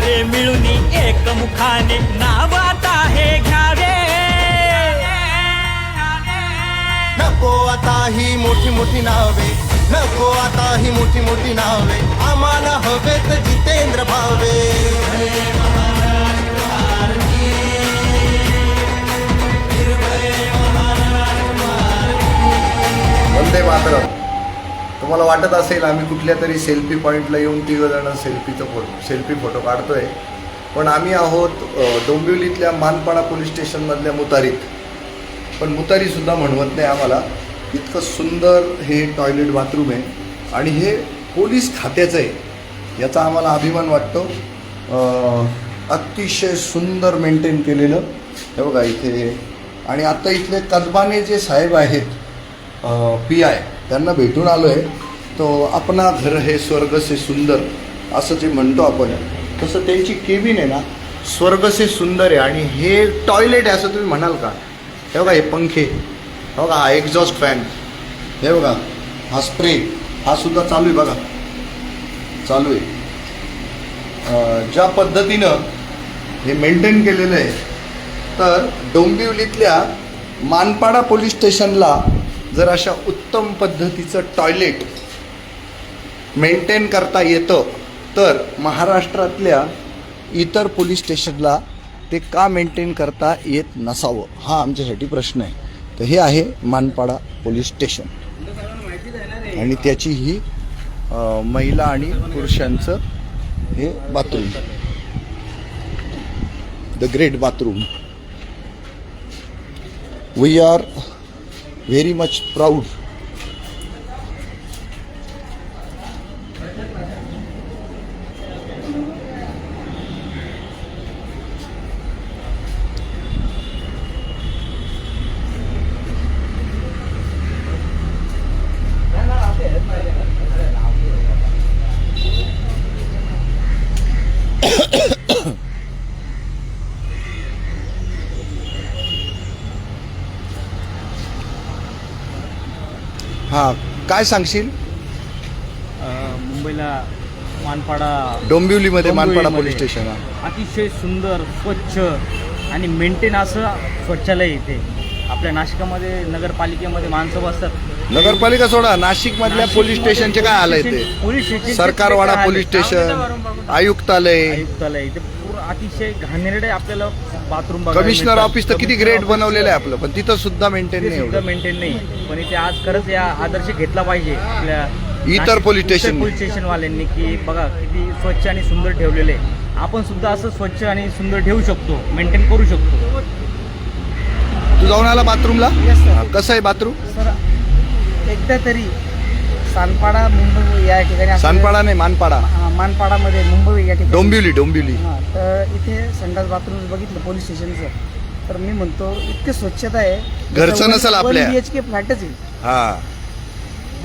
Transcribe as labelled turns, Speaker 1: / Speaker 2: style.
Speaker 1: सगळे मिळून एकमुखाने नाव आता हे घ्यावे.
Speaker 2: नको आता ही मोठी मोठी नावे, नको आता ही मोठी मोठी नावे, आम्हाला हवेत जितेंद्र भावे.
Speaker 3: वंदे मातरम. तुम्हाला वाटत असेल आम्ही कुठल्या तरी सेल्फी पॉईंटला येऊन तिघंजणं सेल्फी फोटो काढतोय, पण आम्ही आहोत डोंबिवलीतल्या मानपाडा पोलीस स्टेशनमधल्या मुतारीत. पण मुतारीसुद्धा म्हणवत नाही आम्हाला, इतकं सुंदर हे टॉयलेट बाथरूम आहे आणि हे पोलीस खात्याचं आहे, याचा आम्हाला अभिमान वाटतो. अतिशय सुंदर मेंटेन केलेलं हे बघा इथे. आणि आत्ता इथले कदबाने जे साहेब आहेत PI, त्यांना भेटून आलो आहे. तो आपणा घर हे स्वर्ग से सुंदर असं जे म्हणतो आपण, तसं त्यांची केबिन आहे ना स्वर्ग से सुंदर आहे. आणि हे टॉयलेट आहे असं तुम्ही म्हणाल का? हे बघा हे पंखे, हे बघा हा एक्झॉस्ट फॅन, हे बघा हा स्प्रे, हा सुद्धा चालू आहे बघा, चालू आहे. ज्या पद्धतीनं हे मेंटेन केलेलं आहे, तर डोंबिवलीतल्या मानपाडा पोलीस स्टेशनला जर अशा उत्तम पद्धतीचं टॉयलेट मेंटेन करता येतं, तर महाराष्ट्रातल्या इतर पोलीस स्टेशनला ते का मेंटेन करता येत नसावं, हा आमच्यासाठी प्रश्न आहे. तर हे आहे मानपाडा पोलीस स्टेशन आणि त्याची ही महिला आणि पुरुषांचं हे bathroom, the great bathroom. We are very much proud. हां, काय सांगशील?
Speaker 4: मुंबईला मानपाडा
Speaker 3: डोंबिवलीमध्ये मानपाडा पोलीस स्टेशन
Speaker 4: अतिशय सुंदर, स्वच्छ आणि मेंटेन असं शौचालय इथे. आपल्या नाशिकामध्ये नगरपालिकेमध्ये माणसं बसतात.
Speaker 3: नगरपालिका सोडा, नाशिक मधल्या पोलीस स्टेशनचे काय आलंय ते?
Speaker 4: Police station,
Speaker 3: Sarkarwada police station, आयुक्तालय,
Speaker 4: इथे पूर्ण अतिशय घाणेरडे आपल्याला बाथरूम.
Speaker 3: कमिशनर ऑफिस तर किती ग्रेट बनवलेलं आहे आपलं, पण तिथं सुद्धा मेंटेन नाही एवढं.
Speaker 4: मेंटेन नाही. पण इथे आज खरंच या आदर्श घेतला पाहिजे आपल्या
Speaker 3: इतर पोलीस
Speaker 4: स्टेशन वाल्यांनी, की बघा किती स्वच्छ आणि सुंदर ठेवलेले. आपण सुद्धा असं स्वच्छ आणि सुंदर ठेवू शकतो, मेंटेन करू शकतो.
Speaker 3: तू जाऊन आला बाथरूमला? कसं आहे बाथरूम?
Speaker 5: सर एकदा तरी सानपाडा मुंबई या ठिकाणी,
Speaker 3: सानपाडा नाही मानपाडा,
Speaker 5: मानपाडामध्ये मुंबई या ठिकाणी,
Speaker 3: डोंबिवली.
Speaker 5: तर इथे संडास बाथरूम बघितलं पोलीस स्टेशनचं, तर मी म्हणतो इतकी स्वच्छता आहे,
Speaker 3: घरचं नसेल आपल्या.
Speaker 5: 1 BHK फ्लॅटच आहे.
Speaker 3: हा